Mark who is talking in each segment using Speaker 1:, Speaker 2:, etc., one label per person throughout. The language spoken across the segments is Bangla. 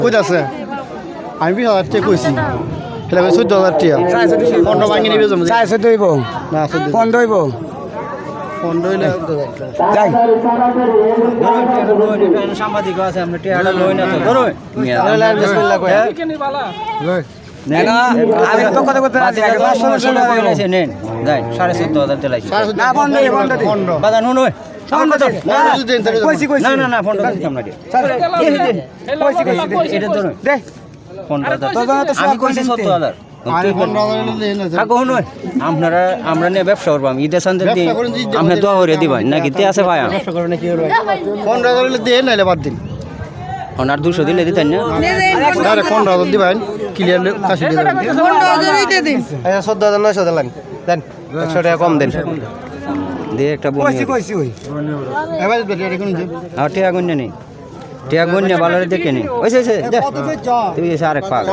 Speaker 1: কই আছে আমি 20,000 টাকা কইছি তাহলে 14,000 টাকা 15 ভাঙি নিবে জমি
Speaker 2: 14 হইব
Speaker 1: না
Speaker 2: 15 হইব
Speaker 1: 15 হইলে
Speaker 2: যাই
Speaker 3: সাংবাদিক আছে আমরা টিয়াটা লই না তো ধরো
Speaker 1: বিসমিল্লাহ কই
Speaker 2: না আমি তো কথা কথা আছি আগে 500 টাকা
Speaker 3: কইছে নেন যাই 14,500 দিলাইছি
Speaker 2: না বন্ধ দে
Speaker 3: বাদা নুন ওই
Speaker 2: কইছি কইছি
Speaker 3: না না না ফোন দিতাম না
Speaker 2: কইছি
Speaker 3: এটা ধরো
Speaker 2: দে
Speaker 3: ফোন
Speaker 2: তো
Speaker 3: আমি কইছি 17,000 আপনারা আমরা নিয়ে ব্যবসা করবাম ঈদের সান্দের দিন আপনি দোয়া করে দিবেন নাকি তে আছে ভাই
Speaker 1: 15,000 হইলে দেন নাইলে বাদ দিন
Speaker 3: আর 200 দিলে দিতেন না
Speaker 1: আরে 15,000 দিবেন ক্লিয়ার কাশি দিয়ে দেন
Speaker 4: 15,000 দিয়ে দিন
Speaker 1: আচ্ছা 14,900 দিলেন দেন 100 টাকা কম দেন
Speaker 3: দিয়ে একটা বলি
Speaker 2: কইছি ওই
Speaker 1: এবার বেটা কোন যে
Speaker 3: আর টিয়া গন্যা নেই টিয়া গন্যা ভালোরে দেখে নেই ওইছে তুই এসে আরেক পাক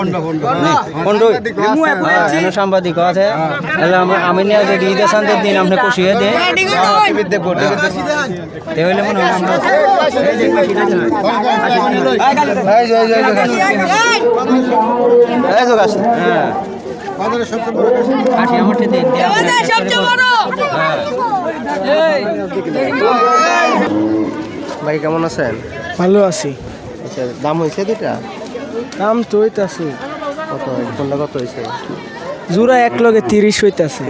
Speaker 3: কোন সাংবাদিক আছে আমি নিয়ে যে ঈদের সান্দের দিন আপনি খুশিয়ে দে হইলে মনে হয় আমরা হ্যাঁ আমার দিন
Speaker 1: ভাই কেমন আছেন
Speaker 2: ভালো আছি
Speaker 1: আচ্ছা দাম হইছে দুইটা
Speaker 2: দাম তো হইতাছে
Speaker 1: কত কোনটা কত হইছে
Speaker 2: জোড়া এক লগে 30 হইতাছে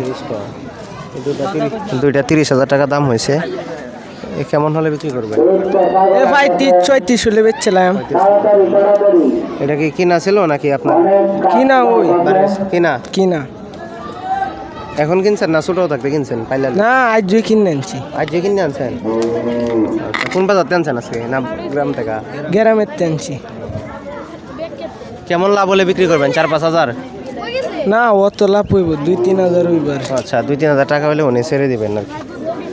Speaker 1: 30 দুইটা 30,000 টাকা দাম হয়েছে কেমন হলে বিক্রি করবেন
Speaker 2: এ ভাই 34 হলে বেচছিলাম
Speaker 1: এটা কি কিনা ছিল নাকি আপনার
Speaker 2: কিনা ওই
Speaker 1: কিনা
Speaker 2: কিনা
Speaker 1: এখন কিনছেন না ছোটো থাকতে কিনছেন পাইলেন
Speaker 2: না আজ জুই কিনে আনছি
Speaker 1: আজ যে কিনে আনছেন কোন বাজার আনছেন আজকে না গ্রাম থেকে
Speaker 2: গ্রামের আনছি
Speaker 1: কেমন লাভ হলে বিক্রি করবেন 4-5 হাজার
Speaker 2: না অত লাভ হইব 2-3 হাজার হইবার
Speaker 1: আচ্ছা 2-3 হাজার টাকা হলে উনি ছেড়ে দিবেন আর কি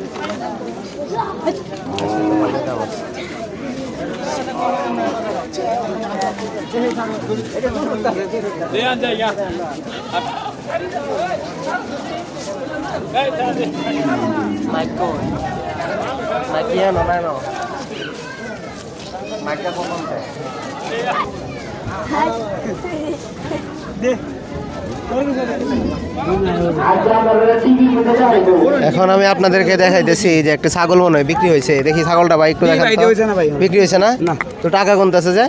Speaker 1: এখন আমি আপনাদেরকে দেখাইতেছি যে একটা ছাগল মনে হয় বিক্রি হয়েছে দেখি ছাগলটা ভাই একটু দেখান তো। বিক্রি হয়েছে না তো টাকা গুনতেছে যে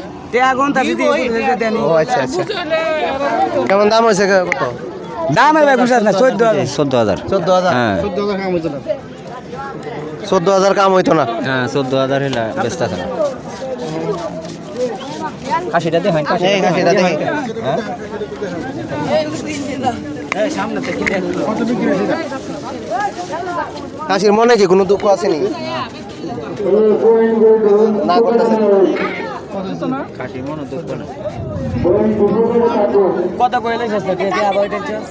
Speaker 1: ও আচ্ছা আচ্ছা কেমন দাম হয়েছে কত
Speaker 2: দাম ভাই বুঝাস না
Speaker 3: 14,000 হ্যাঁ
Speaker 1: 14,000 কাম হইতো না
Speaker 3: হ্যাঁ 14,000 হলে ব্যস্ত আছে না কাশিটা দেখেন
Speaker 1: এই কাশিটা দেখি কাশির মনে কি কোনো দুঃখ আছে নি না করতেছে
Speaker 3: কাশির মনে দুঃখ না
Speaker 2: কত কইলে সস্তা দিয়ে আবার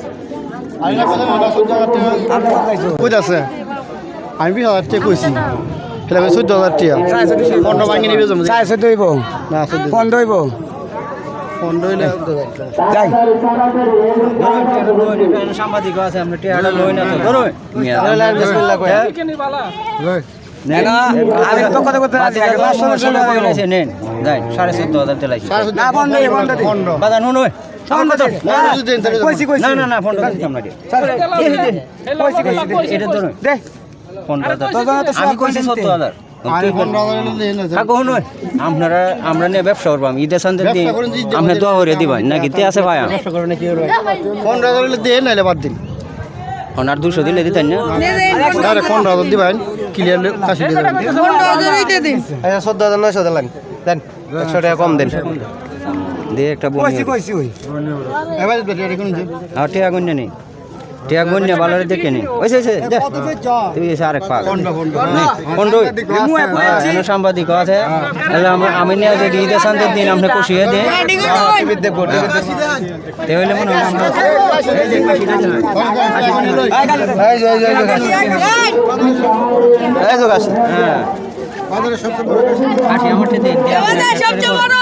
Speaker 1: কই আছে আমি 20,000 টাকা কইছি তাহলে 14,000 টাকা 15 ভাঙি নিবে জমি
Speaker 2: 14 হইব
Speaker 1: না
Speaker 2: 15 হইব
Speaker 1: 15 হইলে
Speaker 2: যাই
Speaker 3: সাংবাদিক আছে আমরা টিয়াটা লই না তো ধরো
Speaker 1: বিসমিল্লাহ কই
Speaker 2: না আমি তো কথা কথা আছি আগে 500 টাকা
Speaker 3: কইছে নেন যাই 14,500 দিলাইছি
Speaker 2: না বন্ধ দে
Speaker 3: বাদা নুন ওই
Speaker 2: কইছি কইছি
Speaker 3: না না না ফোন দিতাম না
Speaker 2: কইছি কইছি
Speaker 3: এটা ধরো
Speaker 2: দে
Speaker 3: ফোন
Speaker 2: তো
Speaker 3: আমি কইছি 17,000 আপনারা আমরা নিয়ে ব্যবসা করবাম ঈদের সান্দের দিন আপনি দোয়া করে দিবেন নাকি তে আছে ভাই
Speaker 1: 15,000 হইলে দেন নাইলে বাদ দিন
Speaker 3: আর 200 দিলে দিতেন না
Speaker 1: আরে 15,000 দিবেন ক্লিয়ার কাশি দিয়ে দেন
Speaker 4: 15,000 দিয়ে দিন
Speaker 1: আচ্ছা 14,900 দিলেন দেন 100 টাকা কম দেন
Speaker 3: দিয়ে একটা বলি
Speaker 2: কইছি ওই
Speaker 1: এবার বেটা কোন যে
Speaker 3: আর টিয়া গন্যা নেই টিয়া গন্যা ভালোরে দেখে নেই ওইছে তুই এসে আরেক পাক কোন সাংবাদিক আছে আমি নিয়ে যে ঈদের সান্দের দিন আপনি খুশিয়ে দে হইলে মনে হয় আমরা হ্যাঁ কাশি আমার দিন
Speaker 4: সবচেয়ে বড়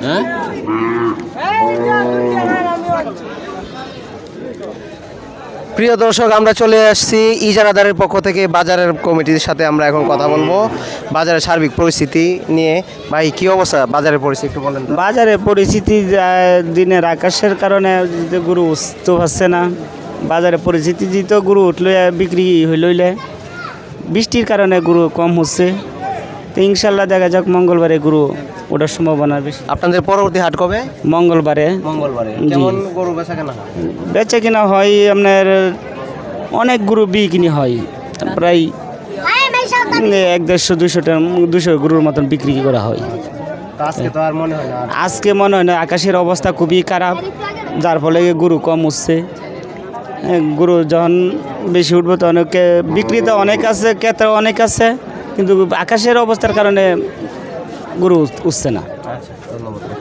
Speaker 3: হ্যাঁ
Speaker 1: প্রিয় দর্শক, আমরা চলে আসছি ইজারাদারের পক্ষ থেকে বাজারের কমিটির সাথে আমরা এখন কথা বলবো বাজারের সার্বিক পরিস্থিতি নিয়ে। ভাই কি অবস্থা বাজারের পরিস্থিতি একটু বলেন তো।
Speaker 5: বাজারে পরিস্থিতি দিনের আকাশের কারণে যে গরু উঠতে পারছে না। বাজারে পরিস্থিতি তো গরু উঠলে বিক্রি হইলে বৃষ্টির কারণে গরু কম হচ্ছে। তো ইনশাল্লাহ দেখা যাক মঙ্গলবারে গরু ওঠার সম্ভাবনা বেশি।
Speaker 1: আপনাদের পরবর্তী হাট কবে?
Speaker 5: মঙ্গলবারে
Speaker 1: কেমন গরু বেচা কেনা হয়?
Speaker 5: বেচা কিনা হয় আপনার অনেক গরু বিক্রি হয়, প্রায় 150-200 গরুর মতন বিক্রি করা হয়।
Speaker 1: তো আজকে তো আর মনে হয় না।
Speaker 5: আজকে মনে হয় না, আকাশের অবস্থা খুবই খারাপ, যার ফলে গরু কম উঠছে। গরু যখন বেশি উঠবে তো অনেকে বিক্রিতে অনেক আছে, ক্রেতা অনেক আছে, কিন্তু আকাশের অবস্থার কারণে গরু উঠছে না।
Speaker 1: আচ্ছা, ধন্যবাদ।